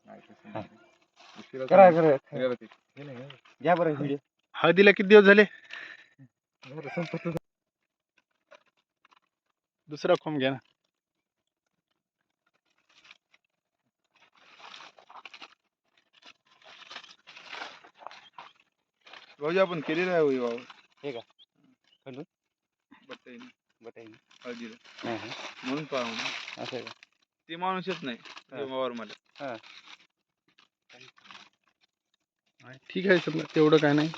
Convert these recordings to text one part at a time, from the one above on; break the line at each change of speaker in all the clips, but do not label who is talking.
करा घ्या बरं व्हिडिओ.
हळदीला किती दिवस झाले? दुसरा खोम घ्या ना.
भाऊजी आपण केलेलं आहे होई वावर.
हे का खंडून
बटाई
बटाई
हळदीला म्हणून पाहून
असं आहे का?
ते माणूस येत नाही ते वावर मला.
हां
ठीक आहे समजा तेवढं काय नाही.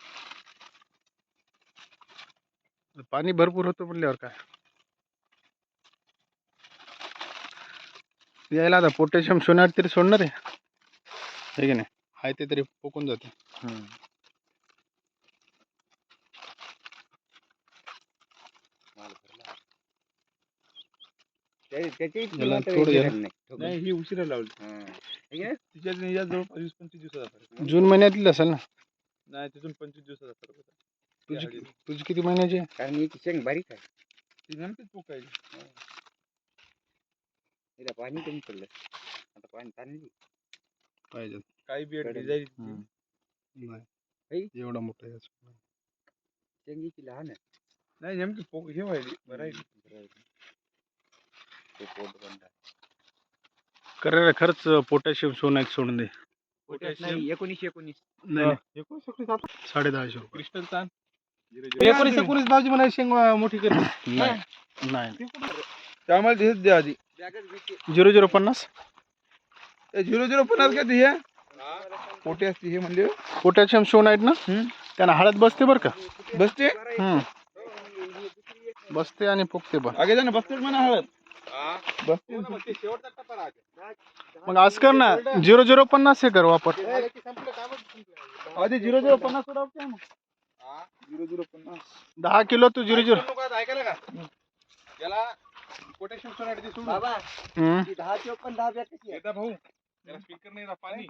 पाणी भरपूर होतं म्हणल्यावर काय यायला आता पोटॅशियम सोन्यात तरी सोडणार आहे की नाही? आहे ते तरी पोकून जाते.
नाही ही उशिरा लावली. तिच्या जवळपास 20-25 दिवसाचा.
जून महिन्यातली असेल ना?
नाही तिथून 25 दिवसाचा फरक होता.
तुझी किती महिन्याची?
कारण याची शेंग बारीक आहे.
ती नेमकीच पोकायची.
तिला पाणी कमी पडलं आता पाणी ताणली
पाहिजे.
काही बियाड डिझाईन
नाही एवढा मोठा आहे.
शेंगीची लहान आहे.
नाही नेमकी पोक हे व्हायली भरायली.
करायला खरंच पोटॅशियम सोन्यात सोडून दे.
नाही 19
नाही 10.5 रुपये.
क्रिस्टल तान
19 भाजी म्हणायची शेंग मोठी कर. नाही
आम्हाला दिसत द्या आधी.
0050
0050 का ती हे पोटे असते हे म्हणले.
पोटॅशियम सोन आहेत ना त्यांना हळद बसते बरं का?
बसते
बसते आणि फुगते पण.
आगे जाणं बसते म्हणा हळद बसते.
मग आज कर ना 0050 हे कर वापर.
आधी 0050 सोडावं ना. 0050
10 किलो तू 00
ऐकायला का याला पोटॅशियम सोनाट सोडून
बाबा 10 ची पण 10 बॅग कशी आहे
भाऊ त्याला स्पीकर नाही पाणी